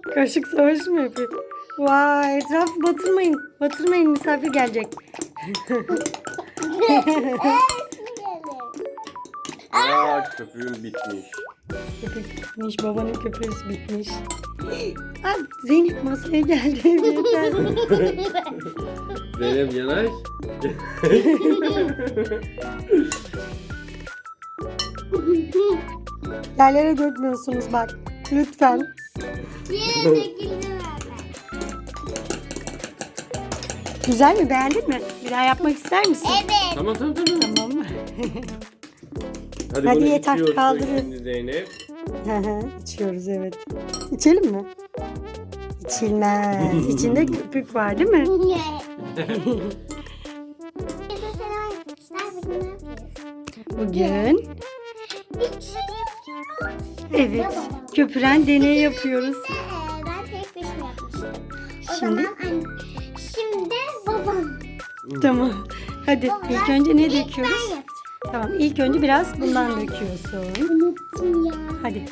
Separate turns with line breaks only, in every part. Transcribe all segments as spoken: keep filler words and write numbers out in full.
Kaşık savaşı mı yapıyor? Vay, etrafı batırmayın. Batırmayın, misafir gelecek.
Aa, köpüğüm bitmiş.
Köpük bitmiş, babanın köpüğü bitmiş. Aa, Zeynep masaya geldi. Yeter.
Zeynep yanaş.
Yerlere dökmüyorsunuz bak. Lütfen.
Yine döküldü
Güzel mi? Beğendin mi? Bir daha yapmak ister misin?
Evet.
Tamam tamam tamam.
Tamam mı?
Hadi,
Hadi
bunu
yeter,
içiyorsun
kaldırın.
şimdi Zeynep.
Hı hı, İçiyoruz evet. İçelim mi? İçilmez. İçinde köpük var değil mi? Bugün evet köpüren deney yapıyoruz.
Ben tek başıma yapmıştım. O
Şimdi?
zaman anne, şimdi babam.
Tamam. Hadi ilk önce ne
İlk ben
döküyoruz?
yapacağım.
Tamam ilk önce biraz bundan döküyorsun.
Unuttum ya.
Hadi.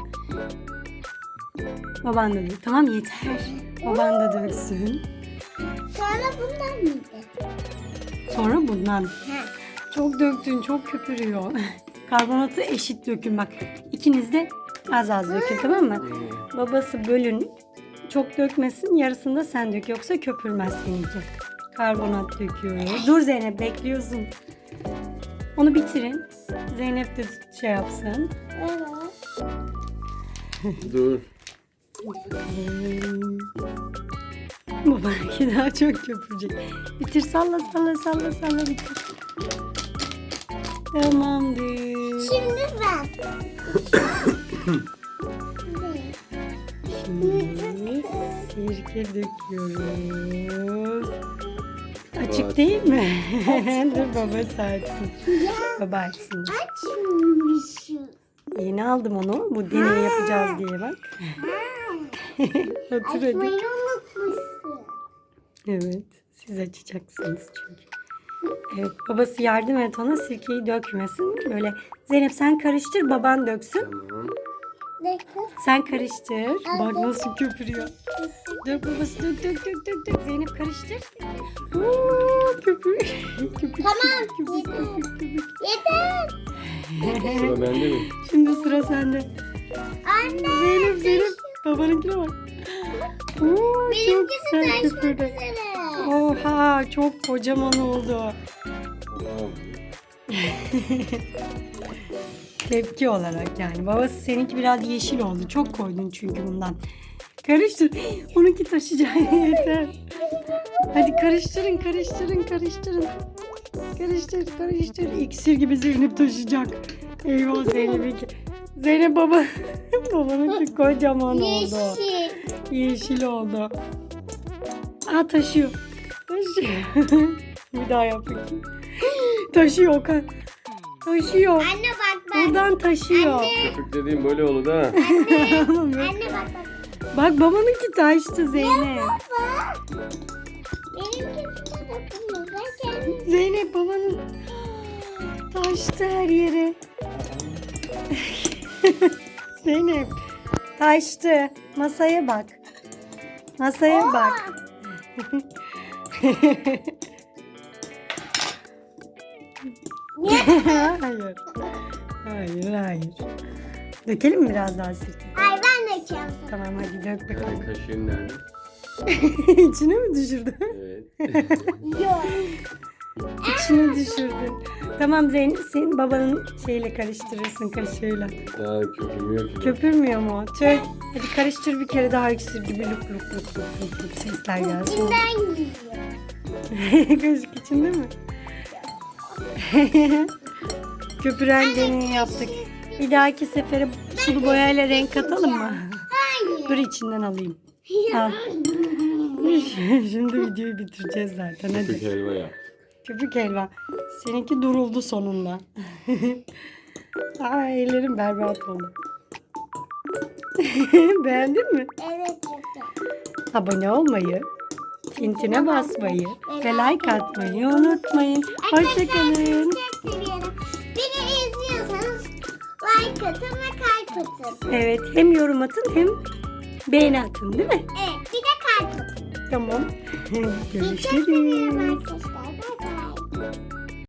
Baban da dök. Tamam yeter. Baban da döksün.
Sonra bundan mıydı?
Sonra bundan.
Ha.
Çok döktün, çok köpürüyor. Karbonatı eşit dökün bak. İkiniz de az az dökün tamam mı? Babası bölün. Çok dökmesin, yarısını da sen dök. Yoksa köpürmez seninki. Karbonat döküyoruz. Dur Zeynep, bekliyorsun. Onu bitirin. Zeynep de şey yapsın.
Evet.
Dur.
Babanki daha çok köpürecek. Bitir, salla salla salla salla bitir. Tamamdır.
Şimdi ben.
Şimdi sirke döküyoruz. Açık
Evet.
değil mi? Dur baba sertsin. Baba açsın.
Açmışım.
Yeni aldım onu. Bu deney yapacağız diye bak. Otur hadi.
Açmayı unutmuşsun.
Evet. Siz açacaksınız çünkü. Evet babası yardım et ona sirkeyi dökmesin. Böyle Zeynep sen karıştır baban döksün.
Tamam.
Bakın.
Sen karıştır. Bak nasıl köpürüyor. Dök babası dök dök dök dök dök. Zeynep karıştır. Oo, köpür. Köpük,
Tamam,
köpük,
yeter.
köpük, köpük.
Yeter.
Sıra bende mi?
Şimdi sıra sende.
Anne.
Zeynep Zeynep. Babanınkine bak. Oo, çok
Benimkisi
güzel
taşmak
köpürdü.
üzere.
Oha çok kocaman oldu.
Tamam.
Tepki olarak yani. Babası seninki biraz yeşil oldu. Çok koydun çünkü bundan. Karıştır. Onunki taşıyacak. Yeter. Hadi karıştırın, karıştırın, karıştırın. Karıştır, karıştır. İksir gibi Zeynep taşıyacak. Eyvah Zeynep'inki. Zeynep baba. Babanınki kocaman oldu.
Yeşil.
Yeşil oldu. Aa taşıyor. Taşıyor. Bir daha yap bakayım. Taşıyor Okan. Taşıyor.
Anne bak bak.
Buradan taşıyor.
Köpük dediğim böyle olur da.
Anne bak bak.
Bak babanınki taştı Zeynep.
Baba. Benimkisi de dokunma. Ben kendim.
Zeynep babanın taştı her yere. Zeynep taştı. Masaya bak. Masaya bak. hayır. Hayır hayır. Dökelim mi biraz daha sirke?
Ay ben de içeceğim.
Tamam hadi dök bakalım.
Yani kaşığın nerede?
İçine mi düşürdün?
Evet.
Yok.
İçine düşürdün. Tamam Zeynep senin babanın şeyle karıştırırsın kaşığıyla.
Daha köpürmüyor ki.
Köpürmüyor mu? Tüh. Hadi karıştır bir kere daha iksir gibi luk luk luk luk luk luk sesler gelsin.
İçinden geliyor.
Kaşık içinde mi? Köpüren deneyi yaptık. Bir dahaki sefere sulu boyayla renk katalım mı?
Hayır.
Dur içinden alayım. Al. Şimdi videoyu bitireceğiz zaten
Köpük
hadi.
helva yap.
Köpük helva. Seninki duruldu sonunda. Aa ellerim berbat oldu. Beğendin mi?
Evet çok güzel.
Abone olmayı, tintine basmayı ve like atmayı unutmayın. Hoşçakalın.
Çok seviyorum. Beni izliyorsanız like atın ve kalp atın.
Evet hem yorum atın hem beğeni atın değil mi?
Evet bir de kalp atın.
Tamam.
Çok seviyorum
Görüşürüz.
arkadaşlar.